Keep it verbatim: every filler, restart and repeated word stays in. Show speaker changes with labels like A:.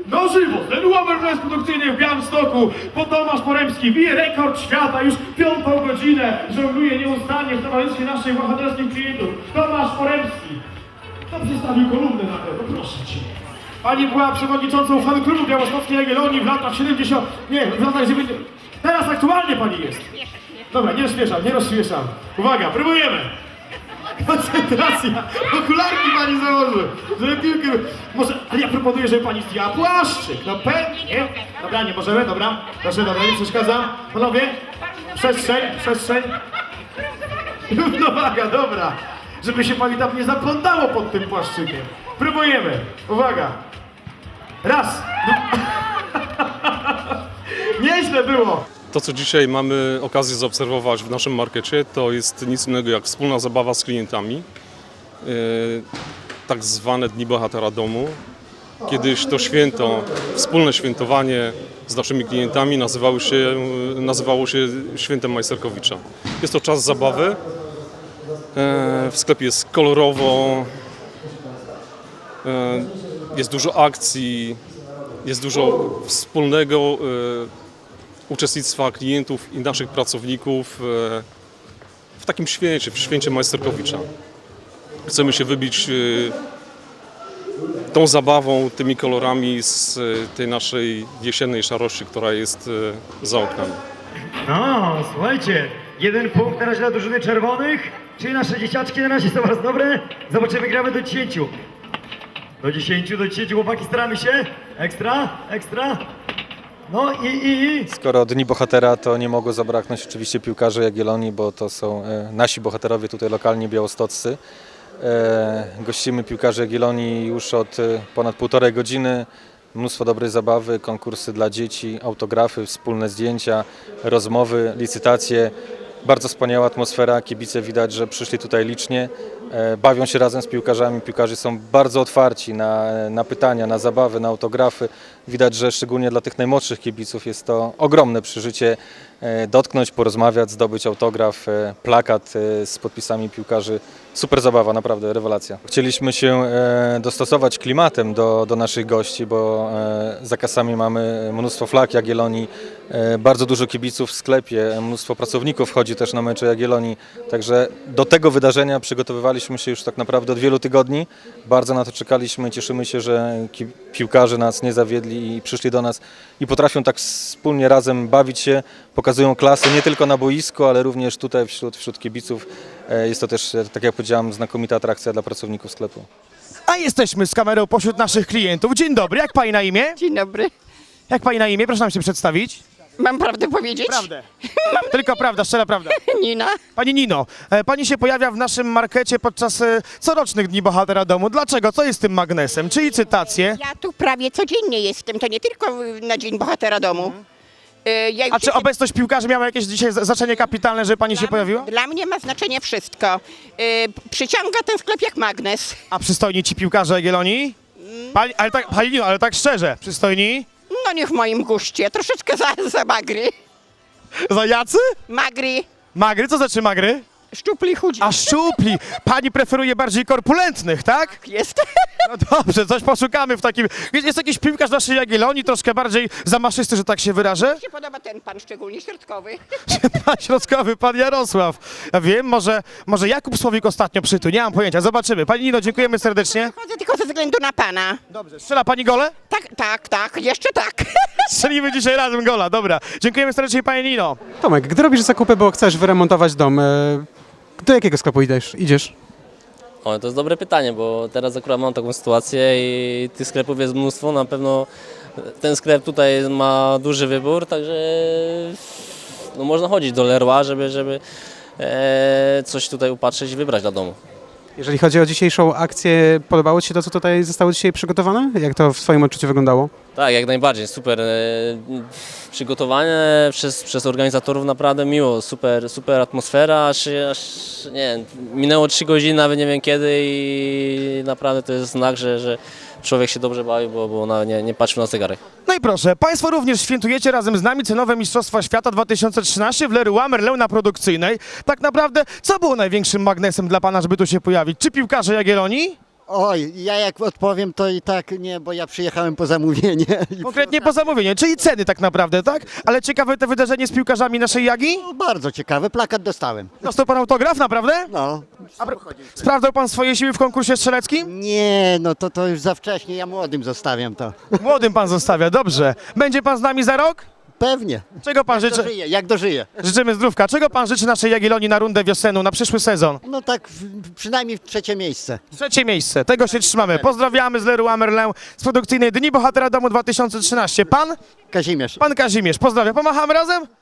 A: Na żywo, ten Łamer produkcyjny w Białymstoku, bo Tomasz Poremski bije rekord świata, już piątą godzinę żongluje nieustannie w towarzystwie naszych bohaterskich klientów. Tomasz Poremski. To przedstawił kolumnę na to, proszę cię. Pani była przewodniczącą fan klubu Białostockiej Jagiellonii w latach siedemdziesiątych, nie, w latach dziewięćdziesiątych. Teraz aktualnie pani jest. Dobra, nie rozśmieszam, nie rozśmieszam. Uwaga, próbujemy. Koncentracja! Okularki pani założy, żeby piłkę... Może... Ale ja proponuję, żeby pani zdjęła płaszczyk, no pewnie. Dobra, nie możemy, dobra. Proszę, dobra, nie przeszkadzam. Panowie, przestrzeń, przestrzeń. Równowaga, dobra. Żeby się pani tam nie zaplątało pod tym płaszczykiem. Próbujemy. Uwaga. Raz. Nieźle było.
B: To, co dzisiaj mamy okazję zaobserwować w naszym markecie, to jest nic innego jak wspólna zabawa z klientami. Yy, tak zwane Dni Bohatera Domu. Kiedyś to święto, wspólne świętowanie z naszymi klientami nazywało się, nazywało się Świętem Majsterkowicza. Jest to czas zabawy. Yy, w sklepie jest kolorowo, yy, jest dużo akcji, jest dużo wspólnego yy, uczestnictwa klientów i naszych pracowników w takim święcie, w święcie Majsterkowicza. Chcemy się wybić tą zabawą, tymi kolorami z tej naszej jesiennej szarości, która jest za oknami.
C: No, słuchajcie, jeden punkt na razie dla drużyny czerwonych, czyli nasze dzieciaczki na razie są bardzo dobre. Zobaczymy, gramy do dziesięciu. Do dziesięciu, do dziesięciu, chłopaki, staramy się. Ekstra, ekstra. No i, i, i.
D: Skoro Dni Bohatera, to nie mogło zabraknąć oczywiście piłkarzy Jagiellonii, bo to są e, nasi bohaterowie tutaj lokalni białostoccy. E, gościmy piłkarzy Jagiellonii już od e, ponad półtorej godziny. Mnóstwo dobrej zabawy, konkursy dla dzieci, autografy, wspólne zdjęcia, rozmowy, licytacje. Bardzo wspaniała atmosfera, kibice widać, że przyszli tutaj licznie, e, bawią się razem z piłkarzami. Piłkarze są bardzo otwarci na, na pytania, na zabawy, na autografy. Widać, że szczególnie dla tych najmłodszych kibiców jest to ogromne przeżycie e, dotknąć, porozmawiać, zdobyć autograf, e, plakat e, z podpisami piłkarzy. Super zabawa, naprawdę rewelacja. Chcieliśmy się e, dostosować klimatem do, do naszych gości, bo e, za kasami mamy mnóstwo flag Jagiellonii, e, bardzo dużo kibiców w sklepie, mnóstwo pracowników chodzi też na mecze Jagiellonii. Także do tego wydarzenia przygotowywaliśmy się już tak naprawdę od wielu tygodni. Bardzo na to czekaliśmy, cieszymy się, że ki- piłkarze nas nie zawiedli i przyszli do nas i potrafią tak wspólnie razem bawić się, pokazują klasę nie tylko na boisku, ale również tutaj wśród, wśród kibiców. E, jest to też, tak jak powiedziałem, znakomita atrakcja dla pracowników sklepu.
A: A jesteśmy z kamerą pośród naszych klientów. Dzień dobry, jak pani na imię?
E: Dzień dobry.
A: Jak pani na imię? Proszę nam się przedstawić.
E: Mam prawdę powiedzieć?
A: Prawdę. Tylko prawda, szczera prawda.
E: Nina.
A: Pani Nino, e, pani się pojawia w naszym markecie podczas e, corocznych Dni Bohatera Domu. Dlaczego? Co jest tym magnesem? Czy licytacje?
E: Ja tu prawie codziennie jestem, to nie tylko na Dzień Bohatera Domu. Y, Ja już
A: A czy
E: jestem-
A: obecność piłkarzy miała jakieś dzisiaj za- znaczenie kapitalne, że pani się pojawiła?
E: Dla mnie ma znaczenie wszystko. Y, Przyciąga ten sklep jak magnes.
A: A przystojni ci piłkarze Jagiellonii? Pani, ale tak, pani Nino, ale tak szczerze, przystojni?
E: No nie w moim guście, troszeczkę za, za magry.
A: Za jacy?
E: Magry,
A: Magry? Co znaczy magry?
E: szczupli, chudzi.
A: A szczupli! Pani preferuje bardziej korpulentnych, tak?
E: Jest.
A: No dobrze, coś poszukamy w takim... Jest, jest jakiś piłkarz naszej Jagiellonii, troszkę bardziej zamaszysty, że tak się wyrażę?
E: Mi się podoba ten pan szczególnie środkowy.
A: Pan środkowy, pan Jarosław. Ja wiem, może, może Jakub Słowik ostatnio przytu, nie mam pojęcia, zobaczymy. Pani Nino, dziękujemy serdecznie.
E: Chodzę tylko ze względu na pana.
A: Dobrze, strzela pani gole?
E: Tak, tak, tak, jeszcze tak.
A: Strzelimy dzisiaj razem gola, dobra. Dziękujemy serdecznie pani Nino.
F: Tomek, gdy robisz zakupy, bo chcesz wyremontować dom, e, do jakiego sklepu idziesz? idziesz?
G: O, to jest dobre pytanie, bo teraz akurat mam taką sytuację i tych sklepów jest mnóstwo. Na pewno ten sklep tutaj ma duży wybór, także no, można chodzić do Leroy, żeby, żeby e, coś tutaj upatrzeć i wybrać dla domu.
F: Jeżeli chodzi o dzisiejszą akcję, podobało Ci się to, co tutaj zostało dzisiaj przygotowane? Jak to w Twoim odczuciu wyglądało?
G: Tak, jak najbardziej, super. E, przygotowanie przez, przez organizatorów naprawdę miło, super, super atmosfera, aż, aż nie wiem, minęło trzy godziny, nawet nie wiem kiedy i naprawdę to jest znak, że, że człowiek się dobrze bawi, bo, bo ona nie, nie patrzył na zegarek.
A: No i proszę, państwo również świętujecie razem z nami cenowe Mistrzostwa Świata dwa tysiące trzynaście w Leroy Merlin na produkcyjnej. Tak naprawdę, co było największym magnesem dla pana, żeby tu się pojawić? Czy piłkarze Jagiellonii?
H: Oj, ja jak odpowiem, to i tak nie, bo ja przyjechałem po zamówienie. I
I: Konkretnie po zamówieniu, czyli ceny tak naprawdę, tak? Ale ciekawe to wydarzenie z piłkarzami naszej Jagi?
H: No, bardzo ciekawe, plakat dostałem.
I: Dostał pan autograf, naprawdę?
H: No.
I: Sprawdzał pan swoje siły w konkursie strzeleckim?
H: Nie, no to, to już za wcześnie, ja młodym zostawiam to.
I: Młodym pan zostawia, dobrze. Będzie pan z nami za rok?
H: Pewnie.
I: Czego pan życzy?
H: Dożyję, jak dożyję.
I: Życzymy zdrówka. Czego pan życzy naszej Jagiellonii na rundę wiosenną, na przyszły sezon?
H: No tak, w- przynajmniej w trzecie miejsce.
I: Trzecie miejsce, tego się trzymamy. Pozdrawiamy z Leroy Merlin z produkcyjnej Dni Bohatera Domu dwa tysiące trzynaście. Pan?
H: Kazimierz.
I: Pan Kazimierz, pozdrawiam. Pomachamy razem?